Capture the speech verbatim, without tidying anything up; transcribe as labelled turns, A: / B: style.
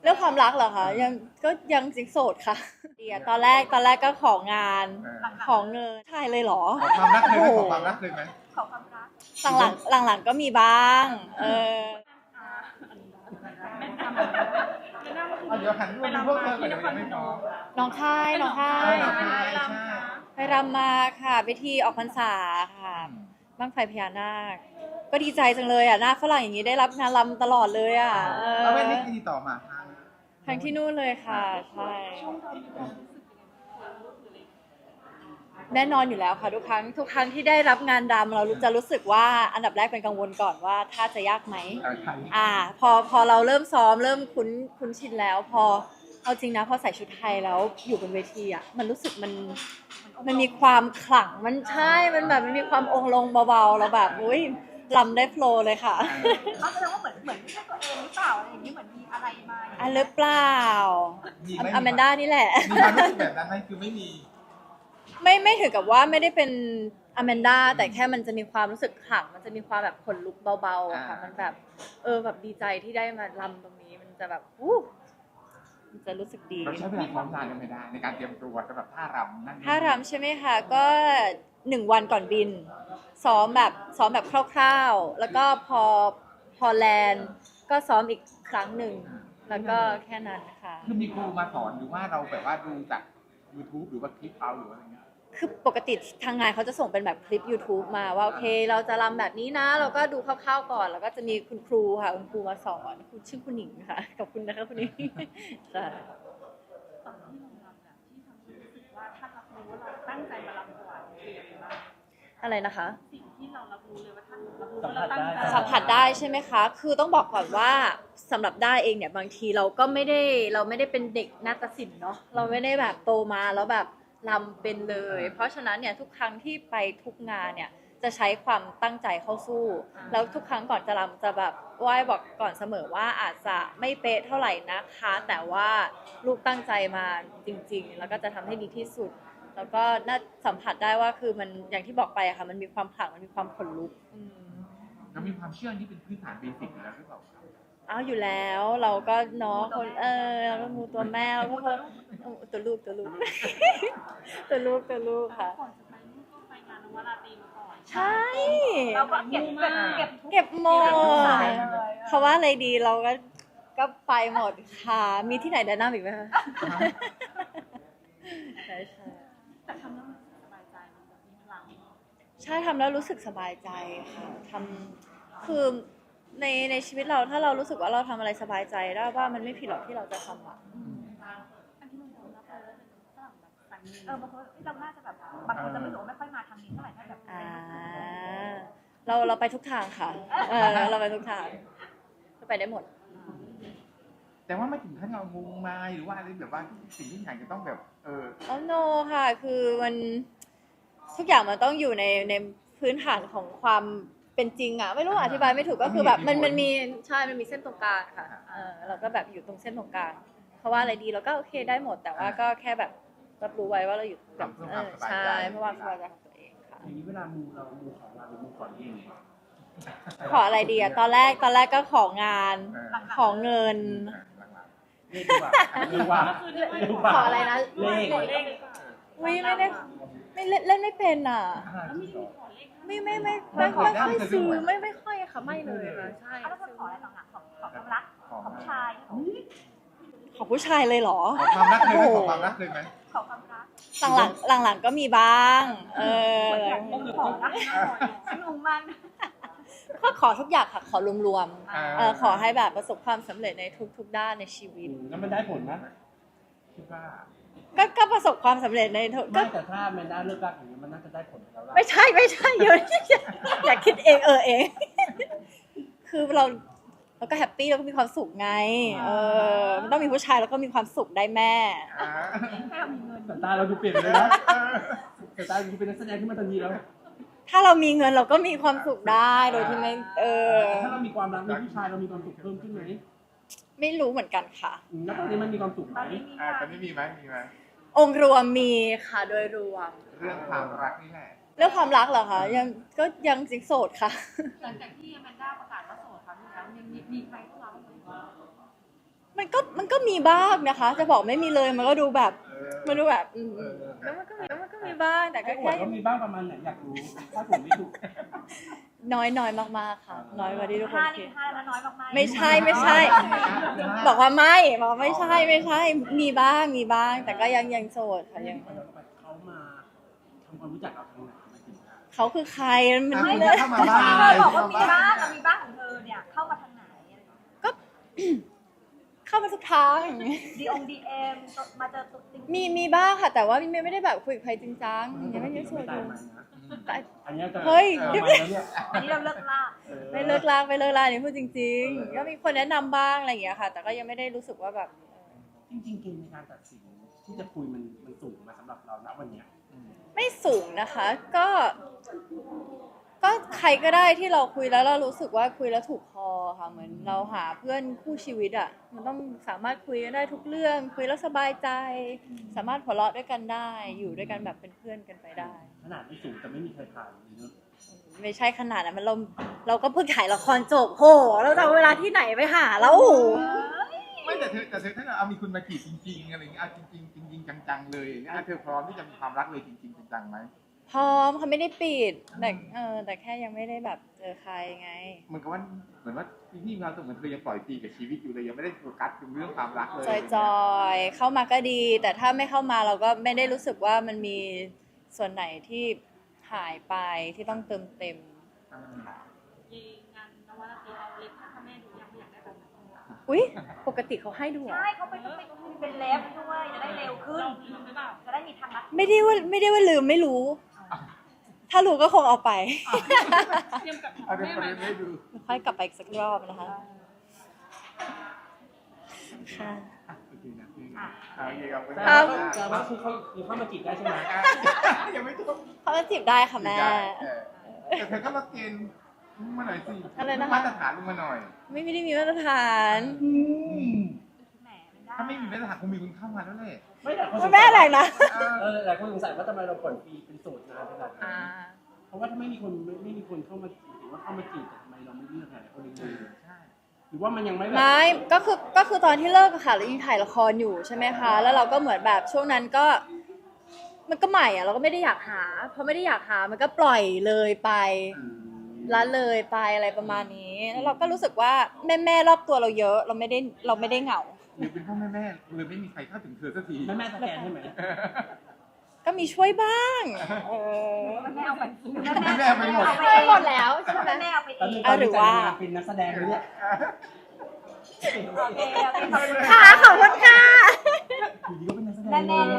A: เรื่องความรักเหรอคะยังก็ยังสิงโสดค่ะเดียตอนแรกตอนแรกก็ของานของเงินใช่เลยเหรอ
B: ขอความรักเลยไหมขอความรักเลยไหม
C: ขอความรัก
A: หลังหลังหลังหลังๆก็มีบ้างเออ
C: ไม่ทำอะไรไม่น่า
B: เอาเดี๋ยวหันมาดูพวกเธอก่อนเดี๋ยวยังไม่พอ
A: น้องค่ายน้องค่า
B: ใช่
A: ย
B: ใช่ใช่
A: ไปรำมาค่ะไปที่ออกพรรษาค่ะบ้างไฟพญานาคก็ดีใจจังเลยอ่ะหน้าฝรั่งอย่างนี้ได้รับงานรำตลอดเลยอ่ะเออ
B: แล้วเว้นนี่ติดต่อมาทาง
A: ทั้งที่นู่นเลยค่ะใช่แน่นอนอยู่แล้วค่ะทุกครั้งทุกครั้งที่ได้รับงานรำเราจะรู้สึกว่าอันดับแรกเป็นกังวลก่อนว่าถ้าจะยากไหม
B: เอ่อไทย
A: อ่าพอพอเราเริ่มซ้อมเริ่มคุ้นคุ้นชินแล้ว พอเอาจริงนะพอใส่ชุดไทยแล้วอยู่บนเวทีอ่ะมันรู้สึกมันมันมีความขลังมันใช่มันแบบมันมีความองค์ลงเบาๆเราแบบอุ้ยรำได้โฟลว์เลยค่ะ
C: เขาแสดงว่าเหมือนเหมือนไม่ใช่ตัวเองหรือเปล่าอะไรอย่างนี้เหมือนมีอะไรมา
A: อันหรือเปล่า
B: มีไหม
A: อแมนด้านี่แหละ
B: มีความรู้สึกแบบนั้นไหมคือไม่มี
A: ไม่ไม่ถึงกับว่าไม่ได้เป็นอแมนด้าแต่แค่มันจะมีความรู้สึกขลังมันจะมีความแบบขนลุกเบาๆอะค่ะ
B: อ่ามั
A: มันแบบเออแบบดีใจที่ได้มารำตรงนี้มันจะแบบอู้มันจะรู้สึกดี
B: เราใช้เวลาซ้อมนานกันไม่ได้ในการเตรียมตัวสำหรับท่ารำนั่น
A: ถ้ารำใช่ไหมคะก็หนึ่งวันก่อนบิน ซ้อมแบบซ้อมแบบคร่าวๆ แล้วก็พอพอแลนด์ก็ซ้อมอีกครั้งหนึ่งแล้วก็แค่นั้นค่ะ
B: คือมีครูมาสอนหรือว่าเราแบบว่าดูจาก YouTube หรือว่าคลิปเอาหรือว่าอะไรเงี้ย
A: คือปกติทางงานเขาจะส่งเป็นแบบคลิป YouTube มาว่าโอเค เราจะรำแบบนี้นะ เราก็ดูคร่าวๆก่อน แล้วก็จะมีคุณครูค่ะคุณครูมาสอนคุณชื่อคุณหนิงค่ะขอบคุณนะคะคุณหนิงใช่
C: ตอนที่เรารำเนี่ยที่ทำให้รู้สึกว่าท่านรับรู้ว่าเราตั้งใจมารำถวายคืออะไรบ้าง
A: อะไรนะคะ
C: สิ่งที่เรารับรู้เลยว่าท่านรับรู้ว่าเราตั้งใจ
A: สัมผัสได้ใช่ไหมคะ คือต้องบอกก่อนว่าสำหรับได้เองเนี่ยบางทีเราก็ไม่ได้เราไม่ได้เป็นเด็กนาฏศิลป์เนาะเราไม่ได้แบบโตมาแล้วแบบรำเป็นเลย เพราะฉะนั้นเนี่ยทุกครั้งที่ไปทุกงานเนี่ยจะใช้ความตั้งใจเข้าสู้ แล้วทุกครั้งก่อนจะรำจะแบบไหว้บอกก่อนเสมอว่าอาจจะไม่เป๊ะเท่าไหร่นะคะ แต่ว่าลูกตั้งใจมาจริงๆ แล้วก็จะทำให้ดีที่สุด แล้วก็น่าสัมผัสได้ว่าคือมันอย่างที่บอกไปอะค่ะมันมีความขลังมันมีความขนลุกอืม
B: เรามีความเชื่อที่เป็นพื้นฐานเบสิกอยู่แล้วหรือเปล่าครับ
A: อ้าวอยู่แล้วเราก็เนาะคนเออเราก็มูตัวแม่เราก็เพิ่มตัวลูกตัวลูก ตัวลูกตัวลูกค่ะ
C: ก่อนจะไปนู่นก็ไปงานนวราตรีมาก่อน
A: ใช่
C: เราก็เก็บเก็บเก็บทุก
A: เก็บหมด
C: สายเลย
A: เขาว่าอะไรดีเราก็ก็ไปหมดค่ะมีที่ไหนแนะนำอีกไหมคะใช่ใช่
C: แต่ทำแล้วมันสบายใจมันแบบมีพลัง
A: ใช่ทำแล้วรู้สึกสบายใจค่ะทำคือในในชีวิตเราถ้าเรารู้สึกว่าเราทำอะไรสบายใจได้ว่ามันไม่ผิดหรอกที่เราจะทำอ่ะ
C: อันที่เรายอมรับเลยว่าเป็นฝรั่งแบบสันนิษฐานเออบางคนเราน่าจะแบบบางคนจะไม่รู้ว่าไม่ค่อยมาทางนี้เท่าไหร่ถ้าแบบ
A: อ่าเราเราไปทุกทางค่ะเออเราไปทุกทางก็ไปได้หมด
B: แต่ว่าไม่ถึงขั้นเรางงมายหรือว่าอะไรแบบว่าสิ่งที่อยากจะต้องแบบเออ
A: อ๋อ no ค่ะ คือมันทุกอย่างมันต้องอยู่ในในพื้นฐานของความเป็นจริงอะไม่รู้อธิบายไม่ถูกก็คือแบบมันมันมีใช่มันมีเส้นตรงกลางค่ะเออเราก็แบบอยู่ตรงเส้นตรงกลางเพราะว่าอะไรดีเราก็โอเคได้หมด แต่ว่าก็แค่แบบรับรู้ไว้ว่าเราอยู่แบบเออใช่เพราะว่าสบายใจของตัวเองค่ะ
D: อย่างนี้เวลามูเรามูของเราหรือมูก่อนเอง
A: ขออะไรดีอะตอนแรกตอนแรกก็ของาน
B: เออ
A: ของเงิน
D: เลขดีกว่าเลขดีกว่าเลขดีกว่า
A: ขออะไรนะ
D: เลข
A: อุ้ยไม่ได้ไม่เล่นเล่นไม่เป็นอ่ะ ไม่ไม่ไม่ไม่ไม่ค่อยซื้อไม่ไม่ค่อยค่ะไม่เลยค่ะใช่
C: แล้วก็ขออะไรหลังๆของขอความรักของผู้ชาย
A: ขอผู้ชายเลยเหรอ
B: ขอความรักเลยไหมขอความรักเลยไหม
C: ขอความรัก
A: หลังหลังหลังหลังๆก็มีบ้าง เออ
C: ขอรักฉันงงมาก
A: ก็ขอทุกอย่างค่ะขอรวม
B: อ่า
A: ๆเออขอให้แบบประสบความสำเร็จในทุกๆด้านในชีวิต
D: แล้วมันได้ผลนะ
B: คิดว่า
A: ก็ก็ประสบความสำเร็จในทุกก็
D: ไม่แต่ถ้าแมนด้าเลิกรักอย่างนี้มันน่าจะได้ผลกับเรา
A: ไม่ใช่ไม่ใช่เดี๋ยวอย่าอย่าคิดเองเออเอง คือเราเราก็แฮปปี้เราก็มีความสุขไง เออมันต้องมีผู้ชายแล้วก็มีความสุขได้แม่
B: อ่า
C: ให้เรามีเงิน
D: แต่ตาเราดูเปลี่ยนเลยนะแต่ตาดูเป็นนักแสดงที่มาทันทีแล้ว
A: ถ้าเรามีเงินเราก็มีความสุขได้โดยที่ไม่เออ
D: ถ้าเรามีความรักมีผู้ชายเรามีความสุขเพิ่มขึ้นไหม
A: ไม่รู้เหมือนกันค่ะ
D: อืมแล้วตอนนี้มันมีความสุขไห
C: ต
D: ม
C: อนนี้มี
B: อ่าตอนนี้มีไหมมีไหม
A: องค์รวมมีค่ะโดยรวม
B: เรื่องความรักนี่แหละ
A: เรื่องความรักเหรอคะยังก็ยังสิงโสดค่ะ
C: หลังจากที่แมนด้าประกาศว่าโสดครั้งนึงแล้วยังมีมีใครเข้ามาบ้างไหม
A: มันก็มันก็มีบ้างนะคะ จะบอกไม่มีเลยมันก็ดูแบบ
B: เออ
A: มันดูแบบอืม
B: เออ
A: แล้วมันก็มีมันก็มีบ้างแต่ก็
D: ไอ้อว
A: แค่
D: ดว่ามีบ้างประมาณไหนอยากรู้ถ้าผมไม่ถูก
A: น้อยน้อยมากๆค่ะ น้อยกว่าที่ทุกคน
C: ห้า
A: คิ
C: นี่
A: ด
C: ห้าแล้วน้อยมากๆ
A: ไม่ใช่ไม่ใช่ บอกว่าไม่บอกว่าไม่ใช่ไม่ใช่ มีบ้างมีบ้าง แต่ก็ยังยังโสดค่ะยัง
D: เขามาทำความรู้จักเราทางไหนมาถึง
A: เขาคือใครมัน
B: ไม่
A: ไม่
B: ได้
A: เลย
B: เข้ามาบ้าง
C: เธอบอกว่ามีบ้างอะมีบ้างของเธอเนี่ยเข้ามาทางไหน
A: เข้ามาทุกทาง
C: ดีองดีเอ็มมาเจอตัวจริง
A: มีมีบ้างค่ะ แต่ว่าไม่ไม่ได้แบบคุยกับใครจริงจังยังไม่ได้โสดอ
D: ตาย
A: ยู่
D: ไหมนะ
A: แต่
D: อันนี้จะ
A: เฮ้ย
D: เออมาแล้วเนี่ย
C: อันนี้เราเลิกล่า
A: ไม่เลิกลากไม่เลิกลากนี่พูดจริงๆ ก็มีคนแนะนำบ้างอะไรอย่างเงี้ยค่ะ แต่ก็ยังไม่ได้รู้สึกว่าแบบ
D: จริงๆเกณฑ์ในการตัดสินที่จะคุยมันมันสูงมาสำหรับเราณวันเนี้ย
A: ไม่สูงนะคะ ก็ ก็ใครก็ได้ที่เราคุยแล้วเรารู้สึกว่าคุยแล้วถูกคอค่ะ เหมือนเราหาเพื่อนคู่ชีวิตอ่ะ มันต้องสามารถคุยกันได้ทุกเรื่อง คุยแล้วสบายใจ สามารถหัวเราะด้วยกันได้ อยู่ด้วยกันแบบเป็นเพื่อนกันไปได้
D: ขนาดไม่สูงแต่ไม่มีใครผ่านเลยเนอะ
A: ไม่ใช่ขนาดนั้นมันเราเราก็เพิ่งถ่ายละครจบโหเราจะเอาเวลาที่ไหนไปหาแล้ว
B: ไม่แต่เธอแต่เธอถ้าเอามีคุณมาจีบจริงๆอะไรอย่างเงี้ยเอาจริงๆจริงๆจังๆเลยอย่างเงี้ยเธอพร้อมที่จะมีความรักเลยจริงๆจังๆไหม
A: พร้อมเขาไม่ได้ปิดแต่เออแต่แค่ยังไม่ได้แบบเจอใครไง
B: เหมือนกับว่าเหมือนว่าพี่ๆเราเหมือนเธอยังปล่อยปีกับชีวิตอยู่เลยยังไม่ได้โฟกัสถึงเรื่องความรักเลย
A: จอยๆเข้ามาก็ดี แต่ถ้าไม่เข้ามาเราก็ไม่ได้รู้สึกว่ามันมีส่วนไหนที่หายไปที่ต้องเติมเต็ม
B: อ่า
E: ยีงานนวราตรีเอาเล็บให้พ่อแม่ดูยังอยากได้แบบนั้น
A: อุ๊ยปกติเขาให้ดูเหรอ
C: ใช่เขาเป็นต้องเป็นเป็นเล็บด้วยจะได้เร็วขึ้น
E: เราลืมหรือเปล่า
C: จะได้มีทางลัด
A: ไม่ได้ว่าไม่ได้ว่าลืมไม่รู้ ถ้ารู้ก็คงเอาไป
E: เตรียมกับ
B: เอาเดี๋ยว
E: แม่
B: ประ
E: ใหม่
B: เด็นให้ดู
A: ค่อยกลับไปอีกสักรอบนะคะค่ะ
B: อ่ะโอเคนะอ่ะโอเคขอบคุณ
D: แต่
A: ครั
D: ว่า
A: บ
D: แต่ว่าคือเขาคือเข้ามาจีบได้ใช่ไหม
B: ยังไม่จบ
A: เขามาจีบได้ค่ะแม่
B: เออแต่เธอก็มาเกณฑ์มาหน่อยสิ
A: อะไรนะคะ
B: มาตรฐานลงมาหน่อย
A: ไม่ไม่ได้มีมาตรฐาน
C: แหมมันได้
B: ถ้าไม่มีมาตรฐานคงมีคนเข้ามาแล้วแหละ
D: ไม่แต่คนสงสัย
A: แม่แรงนะ
B: เออ
D: เออหลายคนสงสัยว่าทำไมเราปล่อยฟรีเป็นโสดนานขนาดนั้
A: อ่า
D: นเพราะว่าถ้าไม่มีคนไม่ไม่มีคนเข้ามาจีบหรือว่าเข้ามาจีบแต่ทำไมเราไม่เลือกหลายคนเลย
B: ใช่
D: หรือว่ามันยังไม่แบบ
A: ไม่ก็คือก็คือตอนที่เลิกอะค่ะเรายังถ่ายละครอยู่ใช่ไหมคะ แล้วเราก็เหมือนแบบช่วงนั้นก็ มันก็ใหม่อะเราก็ไม่ได้อยากหาพอไม่ได้อยากหามันก็ปล่อยเลยไป
D: อืม
A: ละเลยไปอะไรประมาณนี้ แล้วเราก็รู้สึกว่าแม่แม่ๆรอบตัวเราเยอะ เราไม่ได้เราไม่ได้เหงา
B: หรือเป็นพ่อแม่แม่ๆเลยไม่มีใครเข้าถึงเธอสักที
D: แม่แม่สแกนใช่ไหม
A: ก็มีช่วยบ้างเออ
C: แม่เอาไป
B: แม่ไปหมด
A: ช่วยหมดแล้วใช่ไหม
C: แม่เอาไปเอ
D: ตอน
C: ง
D: นี้
A: อ่ะหรือว่า
D: เป็นนักแสดงเลยเนี่ย
C: โอเคโอเคขอบคุณ
A: ค่ะขอบคุณค่ะ
D: อยู่ดีก็เป็นนักแสดง
C: แม่
D: เลย